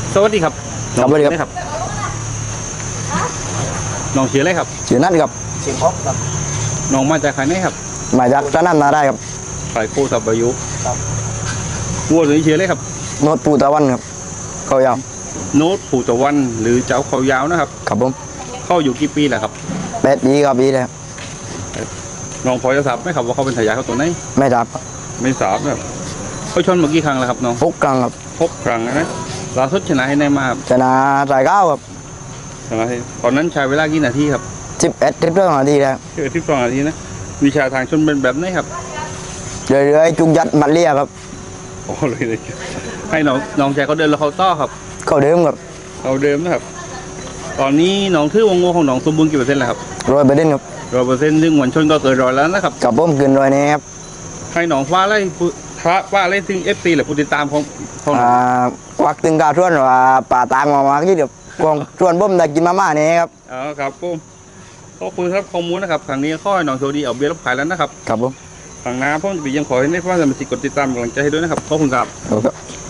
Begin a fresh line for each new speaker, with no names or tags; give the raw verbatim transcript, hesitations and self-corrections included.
สวัสดีครับ
ครับสวัสดีครับ
ครับน้องชื่ออะไรครับ
ชื่อนัทครับ
สิงห์พบครับ
น้องมาจากใครไหนครับ
มาจากร้านน้ำนาได้ครับ
ขายโคสับอายุ
ครับ
วัวตัวนี้ชื่ออะไรครับ
โนดปูตะวันครับเขายาว
โน้ตปู่ตะวันหรือเจ้าเขายาวนะครับ
ครับผม
เข้าอยู่กี่ปีแล้วครับ
แปดปีครับปีเลยครับ
น้องพอจะทราบไหมครับว่าเขาเป็นทายาทเขาตัวไหน
ไม่ทับ
ไม่ทราบนะครับเขาชนมากี่ครั้งแล้วครับน้อง
พกกลางครับ
พบครั้งนะล่าสุดชนะให้ในมาครับ
ชนะสายเก้าครับ
ชนะให้ตอนนั้นใช้เวลากี่นาทีครับ
สิบเอ็ดทริปเรื่องนาทีแล้ว
คือที่สองนาทีนะวิชาทางชนเป็นแบบไหนครับ
เรื่อยๆจุกยัดมัดเลียครับ
โอ้เลยเลยให้น้องน้องชายเขาเดินแล้วเขาต้อครับ
เข้าเดิมครับ
เอาเดิมนะครับ ตอนนี้น้องถือวงโง่ของน้องสมบูรณ์กี่เปอร์เซ็นต์แล้วครับ
ร้อยเปอร์เซ็นต์ครับ
ร้อยเปอร์เซ็นต์ซึ่งหวนชนก็เกินร้อยแล้วนะครับ
กับผมเกินร้อยนี้ครับ
ให้น้องฟ้าไล่ผู้ฟ้าฟ้าไล่ถึงเอฟซีหรือผู้ติดตามของของ
อ่าควักตึงกาชวนว่าป่าตางมามาที่เดียวกองชวนผมได้กินมาม่านี่ครับ
อ๋อครับผมขอบคุณครับข้อมูลนะครับทางนี้ข้อให้น้องโชคดีเอาเบียร์รับขายแล้วนะครับ
ครับผม
ทางน้าพ่อจะไปยังขอให้ได้ฟ้าสมาชิกกดติดตามกำลังใจให้ด้วยนะครับขอบคุณครับ
ครับ